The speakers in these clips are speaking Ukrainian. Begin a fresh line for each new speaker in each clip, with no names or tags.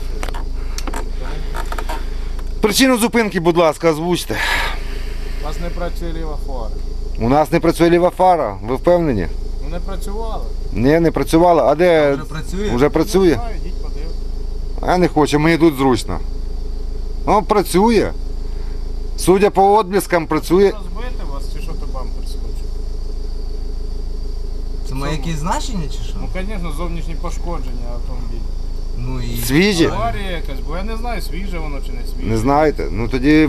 Причину зупинки, будь ласка, озвучте.
У вас не працює ліва фара.
У нас не працює ліва фара, ви впевнені?
Ну не працювала.
Ні, не працювала. А де?
Вже працює?
Вже працює?
Не знаю, йдіть подивитися.
А не хочу, мені тут зручно. Ну, працює. Судя по відблискам, працює.
Розбити вас, чи що то бампер скочив?
Це має якісь значення чи що?
Ну, звісно, зовнішні пошкодження автомобіля.
Ну і...
Свіжі?
Аварія якась, бо я не знаю, свіже воно чи не свіже.
Не знаєте? Ну тоді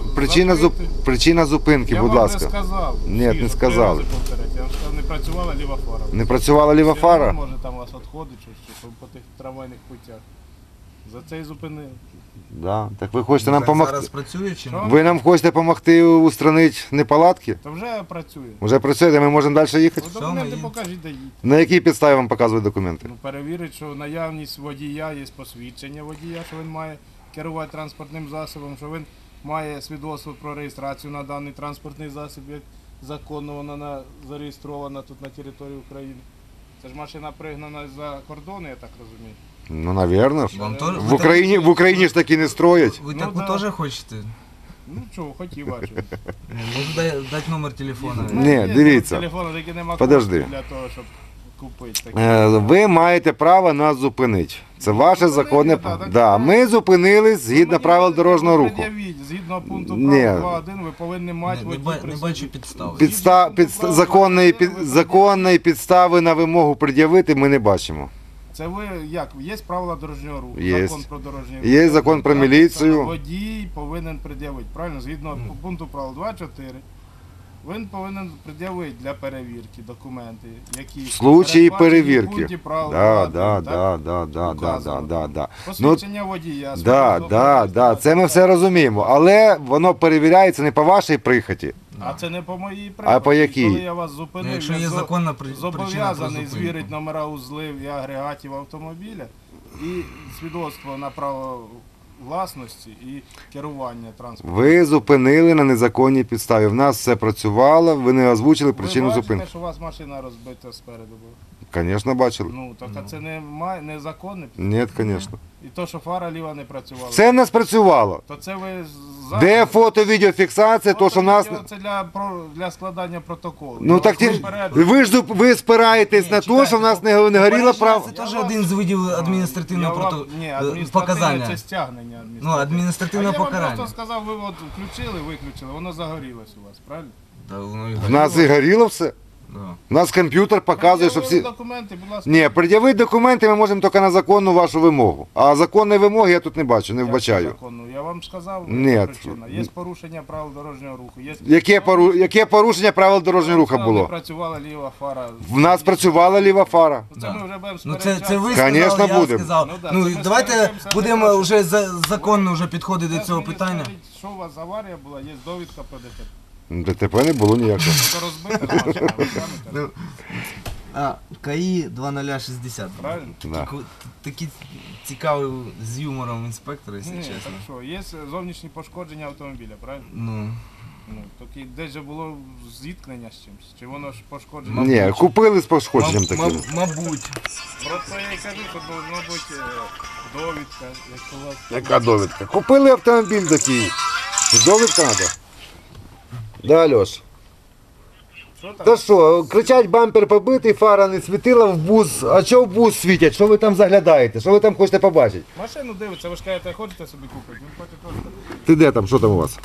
причина зупинки,
Я
будь
вам
ласка.
вже сказав.
Ні,
свіже,
не сказали.
3 рази повторять. Я вам сказав, не працювала ліва фара.
Не працювала ліва
Все
фара?
одно, може там у вас відходить, чи по тих трамвайних путях. За це і зупинили.
Да. Так ви хочете нам допомогти?
Зараз працює чи
Що?
ні?
Ви нам хочете допомогти устранити неполадки?
То вже працює.
Вже працюєте, ми можемо далі їхати?
Ну, документи
є.
покажіть, де їдь.
На якій підставі вам показують документи?
Ну, перевірить, що наявність водія, є посвідчення водія, що він має керувати транспортним засобом, що він має свідоцтво про реєстрацію на даний транспортний засіб, як законно вона зареєстрована тут на території України. Це ж машина пригнана за кордону, я так розумію.
Ну, навірно.
Вам теж-
В Україні ж таки не строять.
Ви
Ну,
таку
да.
теж хочете?
Ну чого, хотів бачу.
Можу дати номер телефону.
Ні, дивіться.
Телефону таки нема
Подожди.
коштів для того, щоб купити таке.
Ви маєте право нас зупинити. Це ваше
Зупинити,
законне
так,
право.
так.
Да, ми зупинились згідно правил дорожнього руху.
Пред'явіть. Згідно пункту
Ні.
права 2.1 ви повинні мати водій
Не
при
бачу
собі.
підстав.
Законної підстави на вимогу пред'явити ми не бачимо.
Це ви як? Є правила дорожнього руху,
Є.
закон про дорожній рух.
Є закон про
Написано,
міліцію.
Водій повинен пред'явити. Правильно? Згідно пункту правил 2.4, він повинен пред'явити для перевірки документи, які
В случаї
передбачені в
перевірки.
пункті правил
Да,
2.1,
да,
так?
да, да, да, да,
Указано.
да, да. Ну,
Посвідчення водія.
да,
свідоцтво
да,
про
да, це ми все розуміємо, але воно перевіряється не по вашій прихоті.
А це не по моїй
А по якій?
Коли я вас зупинив,
Ну, якщо
я
є законна причина про
зобов'язаний
зупинку.
звірити номера узлів і агрегатів автомобіля і свідоцтво на право власності і керування транспортом.
Ви зупинили на незаконній підставі. В нас все працювало, ви не озвучили причину
Ви бачите,
зупинки.
що у вас машина розбита спереду була?
Звісно, бачили.
Ну, так а це незаконне?
Ні, звісно.
І то, що фара ліва не працювала.
Це в нас працювало.
То це ви
Де фото-відеофіксація, то що в нас...
Це для складання протоколу.
Ну так ті... ви спираєтесь на те, що в нас не горіло право.
Це теж один з видів адміністративного
Ні,
показання.
це стягнення.
Ну, адміністративне
А я вам
покарання.
просто сказав, ви от включили, виключили, воно загорілось у вас, правильно?
Та воно і
В нас і горіло все.
Да.
У нас комп'ютер показує, що всі...
Документи, будь ласка.
Ні, пред'явити документи ми можемо тільки на законну вашу вимогу. А законної вимоги я тут не бачу, не
Як
вбачаю.
законно? Я вам сказав,
Ні.
яка причина. Є порушення правил дорожнього руху. Є...
Яке порушення правил дорожнього руху
Не
було?
працювала ліва фара.
В нас працювала ліва фара.
Це
Да.
ми вже будемо
Ну це ви
Конечно,
сказали, я
будемо.
сказав.
Ну, да,
Ну
це ми
давайте
сперечаємося,
будемо
не
вже законно вже підходити до цього питання.
Що у вас аварія була, є довідка про ДТП.
ДТП не було ніякого.
Це розбита машина, ви самі кажете.
А, КАІ 2060.
Правильно?
Да.
Такі цікаві з юмором інспектора, якщо
Ні,
чесно.
хорошо. Є зовнішні пошкодження автомобіля, правильно?
Ну,
Ну, так і десь же було зіткнення з чимось. Чи воно ж пошкодження?
Ні, купили з пошкодженням таким.
мабуть.
Просто я і кажу, що должна бути довідка, якщо у вас...
Яка довідка? Купили автомобіль такий. Довідка треба. Да, Льош.
Що там?
Та що, кричать, бампер побитий, фара не світила в бус. А що в бус світять? Що ви там заглядаєте? Що ви там хочете побачити?
Машину дивиться, ви ж кажете, хочете собі купити? Він хоче теж.
Ти де там? Що там у вас?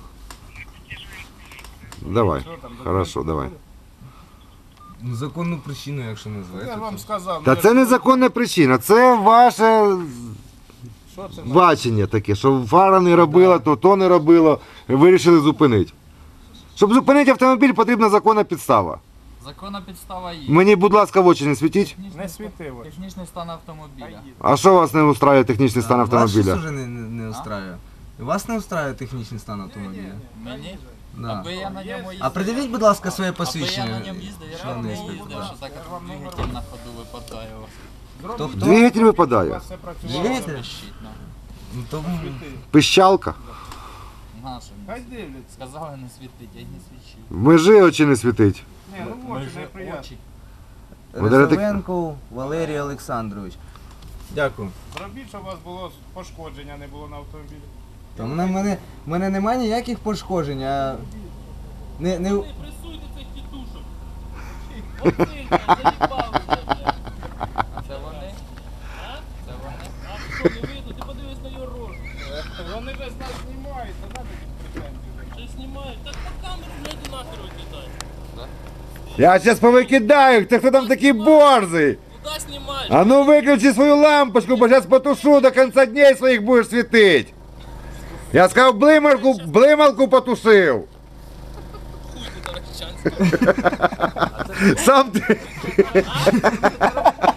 Давай.
Що там,
Хорошо,
документи
давай.
були?
Законну причину, якщо
Я
назвати.
вам сказав.
Та
ну,
це незаконна причина, це ваше
Що це?
бачення таке, що фара не робила, то не робило, вирішили зупинити. Щоб зупинити автомобіль, потрібна законна підстава.
Законна підстава є.
Мені, будь ласка, в очі не світіть.
Не світило.
Технічний стан автомобіля.
А що вас не устраює технічний стан
Вас
автомобіля?
щось уже не устраює? Вас не устраює технічний стан автомобіля?
Мені?
Да.
Аби я на ньому їздив.
А придивіть, будь ласка, своє
Аби я
посвідчення.
на ньому їздив, я
шановний
не
інспектор.
їздив, що так як двигатель на ходу випадає у вас.
Хто?
Двигатель
У
випадає.
вас все працювало.
Двигатель?
Трещить, ну.
Ну, то...
Світи.
Пищалка.
Нашим.
Хай дивляться.
Сказали не світить, я й не свічив.
В межі очі не світить.
Ні, ну в
Ми
очі
вже
неприємно.
очі.
Валерій,
Рисовенко Валерій Олександрович. Дякую.
Зробіть, щоб у вас було пошкодження, не було на автомобілі.
Та в мене немає ніяких пошкоджень, а... Не...
Не пресуйте цих тітушок. Оцих, заїбав вже, блядь. Це вони? А? Це вони? А що, не видно? Ти подивись на його рожу.
Вони ж нас знімають, то надо претензії.
Щось знімають. Так по камеру, блядь, і нахер викидай.
Я зараз повикидаю їх, ти хто там такий борзий?
Куда знімаєш?
А ну виключи свою лампочку, бо зараз потушу, до кінця дней своїх будеш світити. Я сказав, блималку потушив.
Хуй ти, Таращанський.
Сам ти.
А?